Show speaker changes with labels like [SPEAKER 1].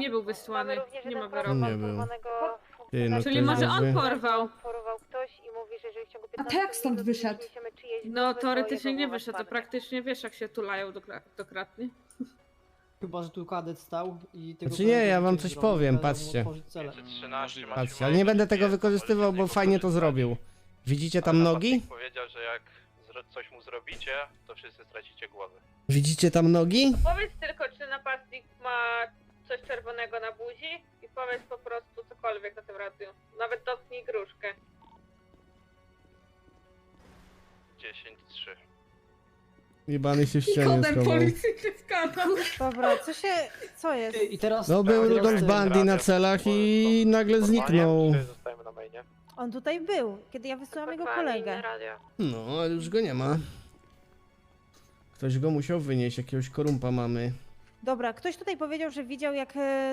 [SPEAKER 1] Nie był wysłany, nie ma wyroku.
[SPEAKER 2] Nie był. Ty, no
[SPEAKER 1] Czyli
[SPEAKER 2] ktoś
[SPEAKER 1] może on
[SPEAKER 2] by-
[SPEAKER 1] porwał.
[SPEAKER 3] ktoś i mówi, że jeżeli w ciągu
[SPEAKER 4] A
[SPEAKER 3] 15
[SPEAKER 4] to jak stąd
[SPEAKER 3] minut
[SPEAKER 4] wyszedł?
[SPEAKER 3] przyniesiemy czyjeś
[SPEAKER 1] No
[SPEAKER 3] głowy, to
[SPEAKER 1] teoretycznie
[SPEAKER 3] jego
[SPEAKER 1] nie
[SPEAKER 3] głowa
[SPEAKER 1] wyszedł, to
[SPEAKER 3] spadnie.
[SPEAKER 1] praktycznie wiesz jak się tulają dokratnie.
[SPEAKER 5] Chyba, że tu kadet stał i tego
[SPEAKER 2] Znaczy nie,
[SPEAKER 5] kadetu
[SPEAKER 2] ja wam
[SPEAKER 5] coś
[SPEAKER 2] coś
[SPEAKER 5] zrobił,
[SPEAKER 2] powiem,
[SPEAKER 5] kazał mu
[SPEAKER 2] patrzcie.
[SPEAKER 5] otworzyć celę.
[SPEAKER 6] 513
[SPEAKER 2] Patrzcie, ale nie będę tego wykorzystywał, bo fajnie to zrobił. Widzicie tam nogi?
[SPEAKER 6] Powiedział, że jak coś mu zrobicie, to wszyscy stracicie głowy.
[SPEAKER 2] Widzicie tam nogi?
[SPEAKER 1] Powiedz tylko, czy napastnik ma coś czerwonego na buzi i powiedz po prostu cokolwiek na tym radiu. Nawet dotknij gruszkę.
[SPEAKER 6] 10-3.
[SPEAKER 2] Jebany się w ścianie
[SPEAKER 4] Kodem
[SPEAKER 2] schował.
[SPEAKER 4] policyjny skandal.
[SPEAKER 3] Dobra, co jest?
[SPEAKER 5] I teraz...
[SPEAKER 2] No był
[SPEAKER 5] teraz
[SPEAKER 2] Rudolf
[SPEAKER 5] ten-
[SPEAKER 2] Bundy na celach i nagle zniknął.
[SPEAKER 6] Zostajemy na mainie.
[SPEAKER 3] On tutaj był, kiedy ja wysyłam jego kolegę.
[SPEAKER 2] No, ale już go nie ma. Ktoś go musiał wynieść, jakiegoś korumpa mamy.
[SPEAKER 3] Dobra, ktoś tutaj powiedział, że widział jak